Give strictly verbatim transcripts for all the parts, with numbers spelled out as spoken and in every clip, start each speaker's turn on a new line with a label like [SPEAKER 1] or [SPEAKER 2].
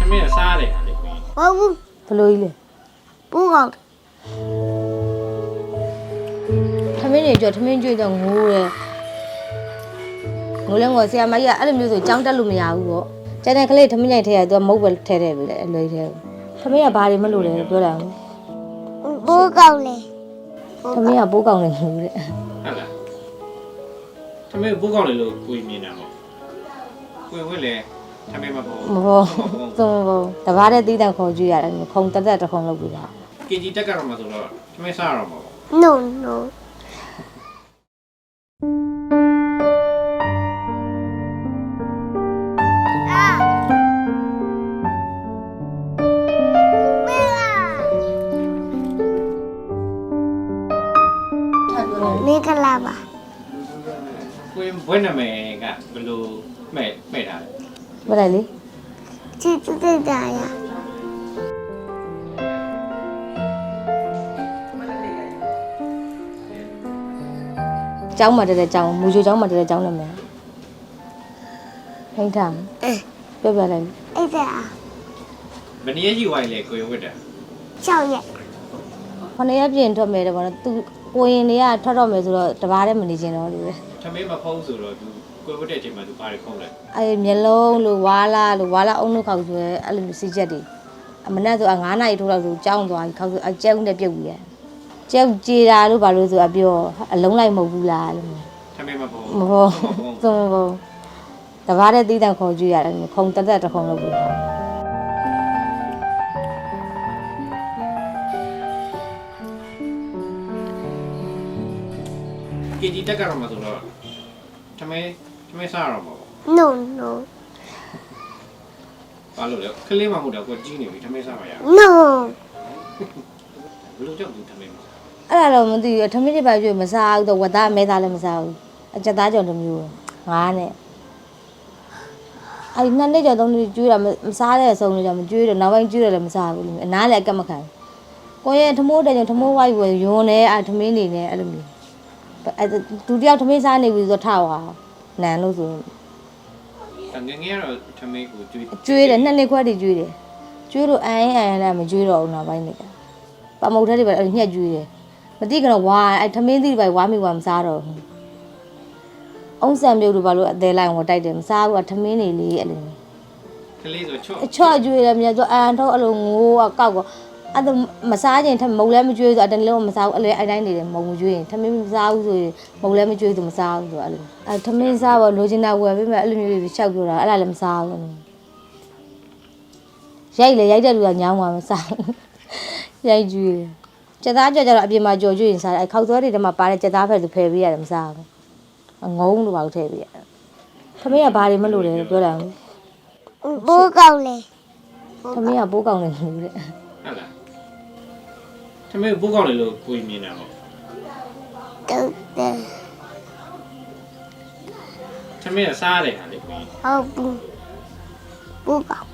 [SPEAKER 1] မင်းစားတယ်ဟာလေကွင်း
[SPEAKER 2] ဟုတ်ဘူး
[SPEAKER 3] ဘလို့ကြီးလဲ
[SPEAKER 2] ပူကောင်း
[SPEAKER 3] ထမင်းတွေကြောထမင်းကျွေးတော့ငိုးတယ်ငိုလဲငိုဆရာမကြီးကအဲ့လိုမျိုးဆိုကြောင်းတက်လို့မရဘူးပေါ့ကျန်တဲ့ကလေးထမင်းညိုက်ထဲကသူကမုတ်ပဲထဲထဲပြီလေအလွယ်ထဲထမင်းကဘာတွေမလို့လဲပြောတာ
[SPEAKER 2] ပူကောင်းလေ
[SPEAKER 3] ထမင်းကပိုးကောင်းနေလို့တဲ့
[SPEAKER 1] ဟုတ်လားထမင်းဘိုးကောင်းလေလို့ကိုမြင်တာပေါ့ကိုဝက်လေထမင်းမပေါ့
[SPEAKER 3] မဟုတ်သုံးဘောတဘာတဲ့တီးတန်ခေါ်ကြည့်ရတယ်ခုံတက်တက်တစ်ခုံလုပ်ပြီးတာ
[SPEAKER 1] ကင်ကြီးတက်ကတော့မှဆိုတော့ထမင်းစားရတော့မှာပေါ့
[SPEAKER 2] no no မင်္ဂလာပါ
[SPEAKER 1] ကိုဘွဲ့နာမည်ကဘယ်လိုမဲ့မဲ့တာလဲ
[SPEAKER 3] မလိုက်လေ
[SPEAKER 2] ချစ်ချစ်တာရ
[SPEAKER 3] ကျောင်းမှာတက်တဲ့ကျောင်းမူချိုကျောင်းမှာတက်တဲ့ကျောင်းနာမည်ဟိန်းထား
[SPEAKER 2] အဲ
[SPEAKER 3] ပြောပြလိုက်
[SPEAKER 2] အဲ့ဒါ
[SPEAKER 1] ဘယ်နည်းကြီးဝိုင်းလဲကိုဝက်တာ
[SPEAKER 2] ချောက်ရက်
[SPEAKER 3] ခொနည်းပြင်ထွက်မယ်တဲ့ဘောနော်သူကိုရင်တွေကထွက်တော့မယ်ဆိုတော့တဘာတဲ့မနေချင်တော့လို့လေ
[SPEAKER 1] ထမင်းမဖုံးဆိုတော့သူကိုဝက်တဲ့အချိန်မှာသူဘာတွေခုံးလဲ
[SPEAKER 3] အဲမျက်လုံးလို့ဝါလာလို့ဝါလာအုံလို့ခောက်ဆိုရဲအဲ့လိုစီချက်တွေအမနဲ့ဆိုအ9နာရီထိုးတော့ဆိုကြောင်းသွားခောက်ဆိုအကျဲဦးနဲ့ပြုတ်ပြီးရကျဲဦးကြေတာလို့ဘာလို့ဆိုအပြောအလုံးလိုက်မဟုတ်ဘူးလားလို့
[SPEAKER 1] ထမင်းမဖုံး
[SPEAKER 3] မဟုတ်သုံးဘောတဘာတဲ့တီးတန်ခေါ်ကြည့်ရတယ်ခုံတက်တက်တစ်ခုံလုပ်ပြီး
[SPEAKER 1] ကင်ကြီးတက်ကတော့မှဆိုတော့ထမင်းထမင်းစားရတော့မှာပေါ့
[SPEAKER 2] no no
[SPEAKER 1] ဘာလို့လဲခလေးမှမဟုတ်တော့ကိုကြီးနေပြီထမင်းစားမရ
[SPEAKER 2] no
[SPEAKER 1] ဘယ်လိုကြောက်သူထမင်းမစား
[SPEAKER 3] အဲ့ဒါတော့မသိဘူးထမင်းတွေပါကျွေးမစားဘူးတော့ဝတ်သားအမဲသားလည်းမစားဘူးအချက်သားကြောင့်တစ်မျိုးငါးနဲ့အဲ့နှစ်နှစ်ကျော်သုံးနှစ်ကျွေးတာမစားတဲ့အဆုံးလို့ကြောင့်မကျွေးတော့နောက်ပိုင်းကျွေးတယ်လည်းမစားဘူးအနားလည်းအကက်မခံကိုရဲ့ထမိုးတဲ့ကြောင့်ထမိုးဝိုက်ဝယ်ယွန်းနေအဲ့ထမင်းနေနေအဲ့လိုမျိုးအဲ့ဒုတိယထမင်းစားနေပြီဆိုတော့ထားသွားနန်လို့ဆို
[SPEAKER 1] ငငယ်ကတော့ထမင်းကိုကျွေး
[SPEAKER 3] ကျွေးတယ်နှစ်နှစ်ခွက်တည်းကျွေးတယ်ကျွေးလို့အရင်အရင်လည်းမကျွေးတော့ဘူးနောက်ပိုင်းနေကြပမုတ်ထဲတွေပဲညှက်ကျွေးတယ်မသိကတော့ဝါအဲ့ထမင်းသီးတွေပဲဝါမိဝါမစားတော့ဘူးအုံးဆံမြုပ်တို့ဘာလို့အသေးလိုက်ဝတိုက်တယ်မစားဘူးကထမင်းနေလေအဲ့လို
[SPEAKER 1] ကလေးဆိုချော့
[SPEAKER 3] အချော့ကျွေးတယ်မြတ်ဆိုအန်ထုတ်အဲ့လိုငိုးကောက်ကောအဲ့ဒါမစားခြင်းထမုံလည်းမကျွေးဆိုအတန်းလုံးမစားဘူးအဲ့လိုအဲ့တိုင်းနေတယ်မုံမကျွေးရင်ထမင်းမစားဘူးဆိုရင်မုံလည်းမကျွေးဆိုမစားဘူးဆိုအဲ့လိုအဲ့ထမင်းစားပါလိုချင်တာဝယ်ပေးမယ်အဲ့လိုမျိုးတွေရှောက်ပြောတာအဲ့ဒါလည်းမစားဘူးရိုက်လေရိုက်တဲ့လူကညောင်းမှာမစားရိုက်ကျွေးကြက်သားကြော်ကြတော့အပြင်မှာကြော်ကျွေးရင်စားတယ်ခောက်သွဲတွေထဲမှာပါတဲ့ကြက်သားဖက်သူဖယ်ပေးရတယ်မစားဘူးငုံလို့ပါလို့ထည့်ပေးရတယ်ထမင်းကဘာတွေမလို့လဲပြောတာ
[SPEAKER 2] ပူကောင်းလေ
[SPEAKER 3] ထမင်းကပိုးကောင်းတယ်လို့တဲ့
[SPEAKER 1] ဟုတ်လားထမင်းဘိုးကောင်းလေလို့ကိုမြင်တာပေါ့
[SPEAKER 2] တုတ်တယ်
[SPEAKER 1] ထမင်းစားတယ်ဟာလေကွင်း
[SPEAKER 2] ဟုတ်ဘူးပူကောင်း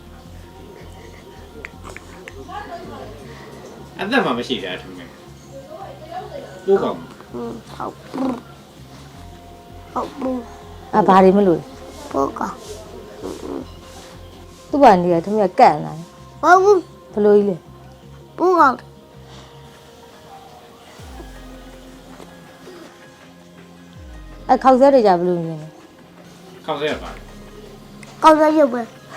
[SPEAKER 1] အသက်မှမရှိတာထမင်းဘိုးကောင်း
[SPEAKER 2] ဟုတ်ဘူးဟုတ်ဘူး
[SPEAKER 3] အာဘာတွေမလို့
[SPEAKER 2] ပူကောင်း
[SPEAKER 3] သူ့ဘာနေရထမင်းကကန့်လာ
[SPEAKER 2] ဟုတ်ဘူး
[SPEAKER 3] ဘလို့ကြီးလဲ
[SPEAKER 2] ပူကောင်း
[SPEAKER 3] အဲခောက်ဆွဲတွေကြဘလို့မြင်လဲ
[SPEAKER 1] ခောက်ဆဲရပါ
[SPEAKER 2] ကောင်းရရုပ်ပဲ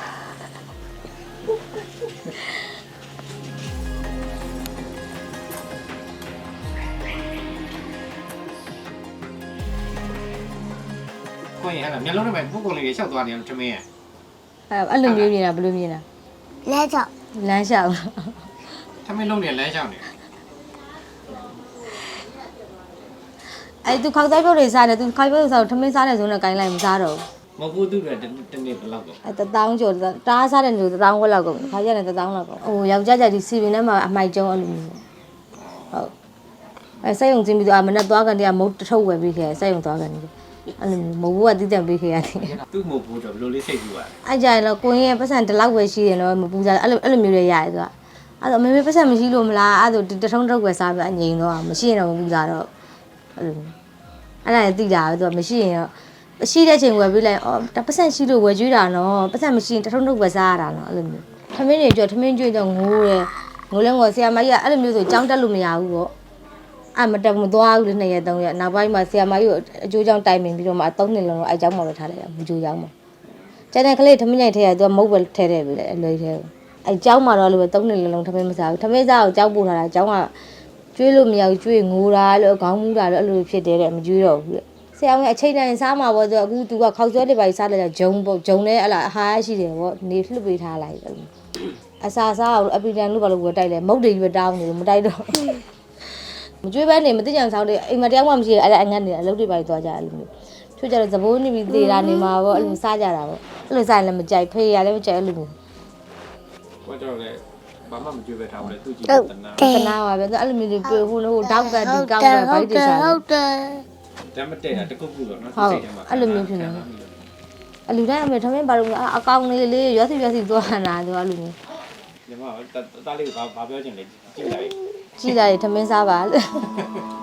[SPEAKER 1] ကိုရင်ဟဲ့လားမျက်လုံးထဲမှာဘိုးကောင်းလေးတွေရှောက်သွားတယ်ထမင်းရ
[SPEAKER 3] အဲအဲ့လိုမျိုးမြင်တာဘလို့မြင်တာ
[SPEAKER 2] လဲချောက်
[SPEAKER 3] လမ်းလျှောက်
[SPEAKER 1] ထမင်းလုံးနေလမ်းလျှောက်နေ
[SPEAKER 3] အဲသူခောက်ဆွဲပြုတ်တွေစားတယ်သူခောက်ပြုတ်စားတော့ထမင်းစားတယ်ဆိုတော့ကိုင်းလိုက်မစားတော့
[SPEAKER 1] မဟုတ်ဘူးသူကတနေ့ဘယ်လောက်တော့
[SPEAKER 3] အဲတထောင်းကျော်တားစားတဲ့လူတထောင်းခွက်လောက်ကုန်ခါကျတယ်တထောင်းလောက်ကုန်ဟိုယောက်ျားကြဒီစီပင်ထဲမှာအမိုက်ကျုံအဲ့လိုမျိုးဟုတ်အဲစိတ်ယုံစင်းပြီးတော့မနဲ့သွားကန်တည်းကမုတ်တထုပ်ဝယ်ပြီးခဲ့စိတ်ယုံသွားကန်တည်းအဲ့လိုမျိုးမဟုတ်ဘူးကတီးတန့်ပေးခဲ့ရတယ်
[SPEAKER 1] သူ့မဟုတ်ဘူးတော့ဘယ်လိုလေးစိတ်ကူอ่ะ
[SPEAKER 3] အဲ့ကြရင်တော့ကိုင်းရဲ့ပတ်စံဒီလောက်ပဲရှိရင်တော့မပူစားအဲ့လိုအဲ့လိုမျိုးတွေရတယ်သူကအဲ့တော့မေမေပတ်စံမရှိလို့မလားအဲ့ဒါတထုံးထုတ်ွယ်စားပြီးအငြိမ်တော့မရှိရင်တော့မပူစားတော့အဲ့လိုအဲ့ဒါလည်းသိတာပဲသူကမရှိရင်တော့ရှိတဲ့ချိန်ဝယ်ပြီးလိုက်အော်ပတ်စံရှိလို့ဝယ်ကျွေးတာနော်ပတ်စံမရှိရင်တထုံးထုတ်ွယ်စားရတာနော်အဲ့လိုမျိုးထမင်းတွေကြောထမင်းကျွေးတော့ငိုးတယ်ငိုလဲငိုဆရာမကြီးကအဲ့လိုမျိုးဆိုကြောင်းတက်လို့မရဘူးပေါ့အဲ့မတက်မသွားဘူးလေနှစ်ရက်သုံးရက်နောက်ပိုင်းမှာဆရာမကြီးကိုအကျိုးကြောင့်တိုင်ပင်ပြီးတော့မှသုံးနှစ်လုံးတော့အဲ့ကြောင်းမှပဲထားလိုက်တာမကြိုးကြောင်းမှာကျန်တဲ့ကလေးထမင်းညိုက်ထဲကသူကမုတ်ပဲထဲထဲပြီလေအလွယ်ထဲအဲ့ကြောင်းမှာတော့လို့ပဲသုံးနှစ်လုံးထမင်းမစားဘူးထမင်းစားကိုကြောက်ပို့ထားတာကြောင်းကကျွေးလို့မရဘူးကျွေးငိုတာလို့ခေါင်းမူးတာလို့အဲ့လိုဖြစ်တယ်တဲ့မကျွေးတော့ဘူးတဲ့ဆရာကအချိန်တိုင်းစားမှာပေါ့သူအခုသူကခောက်ဆွဲတွေပါစားလိုက်တာဂျုံပေါ့ဂျုံနဲ့အဲ့လားအဟားရှိတယ်ပေါ့နေလှုပ်ပေးထားလိုက်တယ်အစာစားအောင်အပီတန်လို့ဘာလို့ဝယ်တိုက်လဲမုတ်တွေရွတောင်းနေလို့မတိုက်တော့မကျွေးပဲနေမသိကြံဆောင်တယ်အိမ်မတယောက်မှမရှိအဲ့အငတ်နေအလုပ်တွေပါသွားကြအဲ့လိုမျိုးချို့ကြတော့သဘိုးနေပြီးသေးတာနေမှာပေါ့အဲ့လိုစားကြတာပေါ့အဲ့လိုစားရင်လည်းမကြိုက်ဖေးရလည်းမကြိုက်အဲ့လိုမျိုး
[SPEAKER 1] ကိုတော့လေဘာမှမကြွေးပဲထားဘူးလေသူကြည့်
[SPEAKER 2] ဟုတ်
[SPEAKER 1] တနာ
[SPEAKER 2] တယ်
[SPEAKER 3] တနာပါပဲအဲ့လိုမျိုးတွေဟိုဟိုတောက်ကဒီကောက်ကဘိုက်တွေစား
[SPEAKER 2] ဟုတ်တယ်
[SPEAKER 1] တမ်းမတဲ့တာတကုတ်ကုတော့နော်
[SPEAKER 3] ဟုတ်အဲ့လိုမျိုးဖြစ်နေအလူတိုင်းအမေထမင်းပါတော့အကောင်လေးလေးရွက်စီရွက်စီသွားတာသူအဲ့လိုမျိုး
[SPEAKER 1] ညီမတားလေးကဘာပြောချင်လဲကြည့်လိုက်
[SPEAKER 3] ကြည်လိုက်ထမင်းစားပါလို့